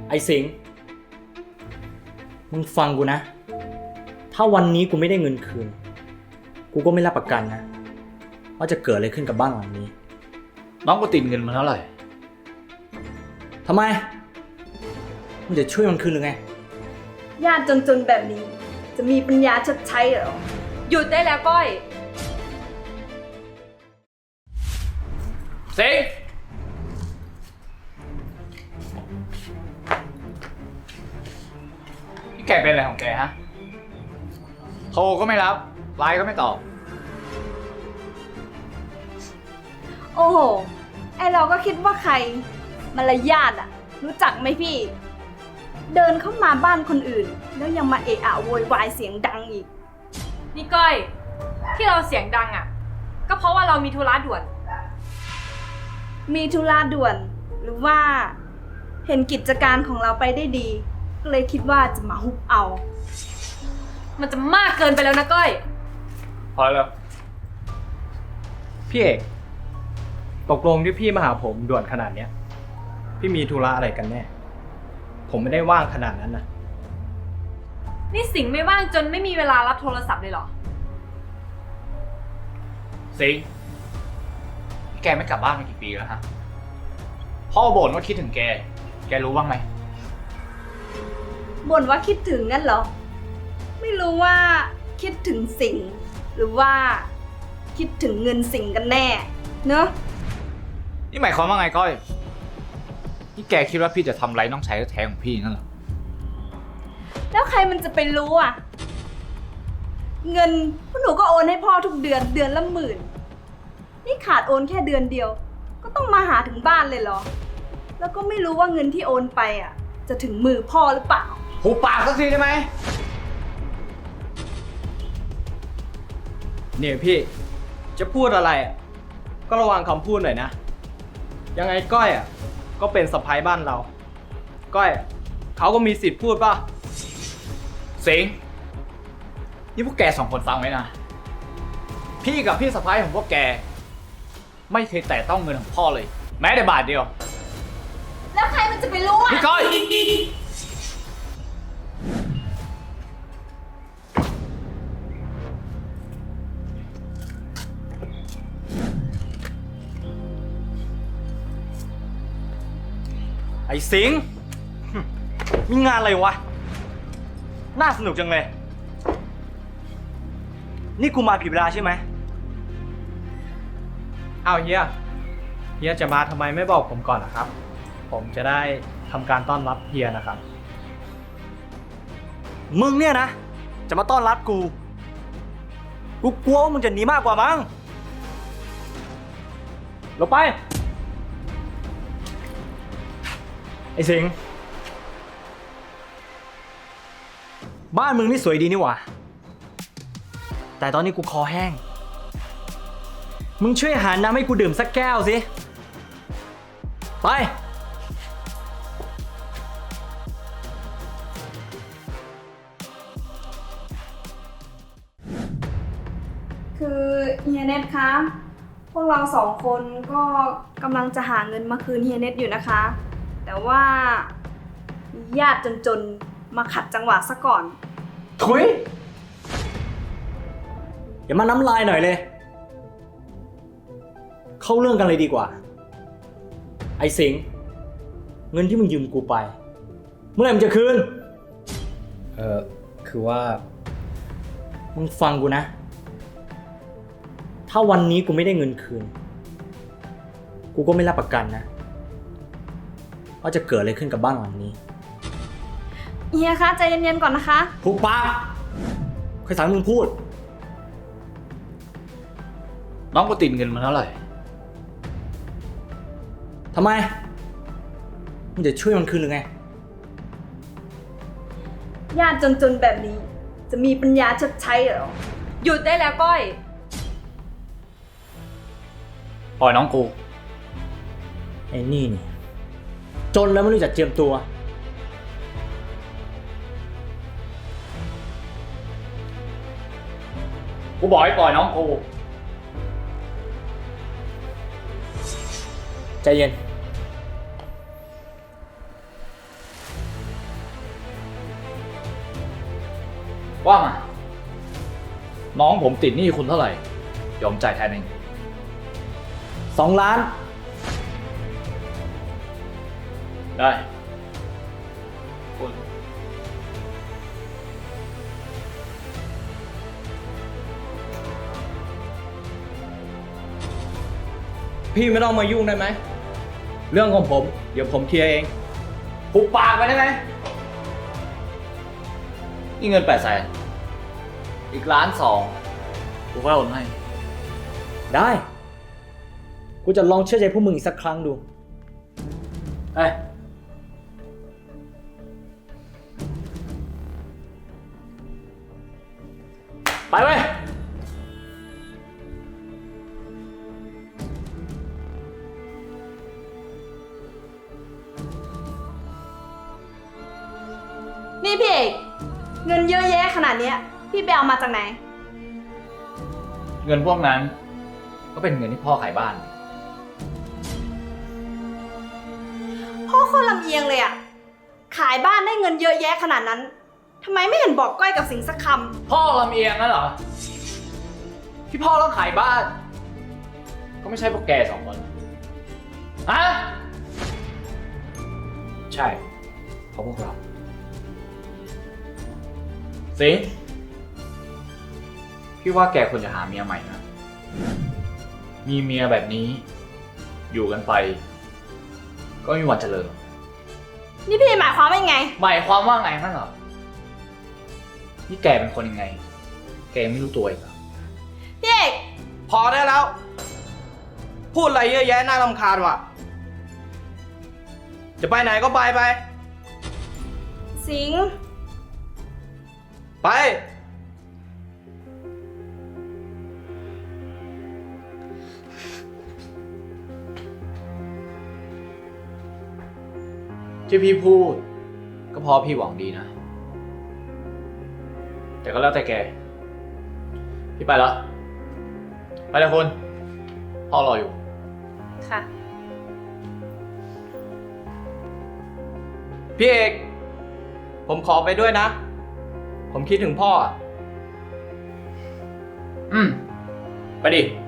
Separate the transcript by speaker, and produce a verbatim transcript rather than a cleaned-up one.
Speaker 1: ไอ้สิงห์มึงฟังกูนะ ถ้าวันนี้กูไม่ได้เงินคืน กูก็ไม่รับประกันนะว่าจะเกิดอะไรขึ้นกับบ้านหลังนี้
Speaker 2: น้องกูติดเงินมาเท่าไหร่
Speaker 1: ทำไม มึงจะช่วยมันคืนหรือไง
Speaker 3: ญาติจนๆแบบนี้ จะมีปัญญาชดใช้เหรอ
Speaker 4: หยุดได้แล้วก้อย
Speaker 2: สิงนี่แกเป็นอะไรของแกฮะ โทรก็ไม่รับ ไลน์ก็ไม่ตอบ
Speaker 3: โอ้โห ไอเราก็คิดว่าใครมารยาทอะรู้จักไหมพี่ เดินเข้ามาบ้านคนอื่น แล้วยังมาเอะอะโวยวายเสียงดังอีก
Speaker 4: นี่ก้อย ที่เราเสียงดังอ่ะ ก็เพราะว่าเรามีธุระด่วน
Speaker 3: มีธุระด่วน หรือว่า เห็นกิจการของเราไปได้ดี ก็เลยคิดว่าจะมาฮุบเอา
Speaker 4: มันจะมากเกินไปแล้วนะก้อย
Speaker 2: พอแล้ว
Speaker 5: พี่เอกตกลงที่พี่มาหาผมด่วนขนาดเนี้ยพี่มีธุระอะไรกันแน่ผมไม่ได้ว่างขนาดนั้นนะ
Speaker 4: นี่สิงห์ไม่ว่างจนไม่มีเวลารับโทรศัพท์เลยเหรอ
Speaker 2: สิงแกไม่กลับบ้านมากี่ปีแล้วฮะ พ่อบ่นว่าคิดถึงแก แกรู้บ้างไหม
Speaker 3: บ่นว่าคิดถึงงั้นเหรอ ไม่รู้ว่าคิดถึงสิ่ง หรือว่า คิดถึงเงินสิ่งกันแน่ เนอะ
Speaker 2: นี่หมายความว่าไงก้อย นี่แกคิดว่าพี่จะทำไรน้องชายแท้ๆของพี่นั่นเหรอ
Speaker 3: แล้วใครมันจะไปรู้อ่ะ เงินพวกหนูก็โอนให้พ่อทุกเดือนเดือนละหมื่น นี่ขาดโอนแค่เดือนเดียว ก็ต้องมาหาถึงบ้านเลยเหรอ แล้วก็ไม่รู้ว่าเงินที่โอนไปอ่ะ จะถึงมือพ่อหรือเปล่า
Speaker 2: หูปากสักทีได้ไหม
Speaker 5: เนี่ยพี่จะพูดอะไรอ่ะก็ระวังคำพูดหน่อยนะยังไงก้อยอ่ะก็เป็นสะใภ้บ้านเรา ก้อยอะเขาก็มีสิทธิ์พูดป่ะ
Speaker 2: สิงนี่พวกแกสองคนฟังไว้นะ พี่กับพี่สะพ้ายของพวกแก ไม่เคยแตะต้องเงินของพ่อเลย แม้แต่บาทเดียว
Speaker 3: แล้วใครมันจะไปรู้อ่ะ
Speaker 2: พี่ก้อย
Speaker 1: ไอ้สิงห์มีงานอะไรวะ น่าสนุกจังเลย นี่กูมาผิดเวลาใช่ไหม
Speaker 5: เอาเฮียเฮียจะมาทำไมไม่บอกผมก่อนนะครับผมจะได้ทำการต้อนรับเฮียนะครับ
Speaker 1: มึงเนี่ยนะ จะมาต้อนรับกู กูกลัวว่ามึงจะหนีมากกว่ามั้งลงไป ไอ้สิงห์บ้านมึงนี่สวยดีนี่หว่า แต่ตอนนี้กูคอแห้ง มึงช่วยหาน้ำให้กูดื่มสักแก้วสิ ไป
Speaker 3: คือเฮียเน็ตคะ พวกเราสองคนก็กำลังจะหาเงินมาคืนเฮียเน็ตอยู่นะคะ แต่ว่าญาติจนๆ มาขัดจังหวะซะก่อน
Speaker 1: ถุยอย่ามาน้ำลายหน่อยเลย เข้าเรื่องกันเลยดีกว่า ไอ้สิงห์เงินที่มึงยืมกูไป เมื่อไหร่มึงจะคืน
Speaker 5: เออคือว่า
Speaker 1: มึงฟังกูนะ ถ้าวันนี้กูไม่ได้เงินคืน กูก็ไม่รับประกันนะว่าจะเกิดอะไรขึ้นกับบ้านหลังนี้
Speaker 3: เฮียคะใจเย็นๆก่อนนะคะ
Speaker 1: ผูกปากใครสั่งมึงพูด
Speaker 2: น้องกูติดเงินมาเท่าไหร่
Speaker 1: ทำไม มึงจะช่วยมันคืนหรือไง
Speaker 3: ญาติจนๆ แบบนี้ จะมีปัญญาชดใช้เหรอ
Speaker 4: หยุดได้แล้วก้อย
Speaker 2: ปล่อยน้องกู
Speaker 1: ไอ้นี่นี่ จนแล้วไม่รู้จักเจียมตัว
Speaker 2: กูบอกให้ปล่อยน้องกู
Speaker 1: ใจเย็น
Speaker 2: ว่ามา น้องผมติดหนี้คุณเท่าไหร่ ยอมจ่ายแทนเอง
Speaker 1: สองล้าน
Speaker 2: ได้คุณ
Speaker 5: พี่ไม่ต้องมายุ่งได้ไหม เรื่องของผม เดี๋ยวผมเคลียร์เอง
Speaker 2: หุบปากไปได้ไหมนี่เงินแปดแสนอีกล้านสองกูก็โอนให้
Speaker 1: ได้ กูจะลองเชื่อใจพวกมึงอีกสักครั้งดู
Speaker 2: เฮ้ย ไปเว้ย
Speaker 3: นี่พี่เอกเงินเยอะแยะขนาดเนี้ยพี่ไปเอามาจากไหน
Speaker 2: เงินพวกนั้น ก็เป็นเงินที่พ่อขายบ้าน
Speaker 3: พ่อโคนลำเอียงเลยอะขายบ้านได้เงินเยอะแยะขนาดนั้นทำไมไม่เห็นบอกก้อยกับสิงห์สักค
Speaker 2: พ่อลำเอียงนั่นเหรอ ที่พ่อต้องขายบ้าน ก็ไม่ใช่พวกแกสองคนฮะใช่เพราะพวกเรา สิงห์พี่ว่าแกควรจะหาเมียใหม่นะ มีเมียแบบนี้ อยู่กันไป ก็ไม่มีวันเจริญ
Speaker 3: ำนี่พี่หมายความว่ายังไง
Speaker 2: หมายความว่าไงนั่นเหรอ นี่แกเป็นคนยังไง แกยังไม่รู้ตัวอีกเหรอ
Speaker 3: พี่เอก
Speaker 5: พอได้แล้ว พูดอะไรเยอะแยะน่ารำคาญว่ะ จะไปไหนก็ไปไป
Speaker 3: สิงห์
Speaker 5: ไป
Speaker 2: ที่พี่พูด ก็เพราะพี่หวังดีนะ แต่ก็แล้วแต่แก พี่ไปแล้ว ไปเลยคุณพ่อรออยู่
Speaker 4: ค่ะ
Speaker 5: พี่เอก ผมขอไปด้วยนะ ผมคิดถึงพ่ออะ
Speaker 2: อืม ไปดิ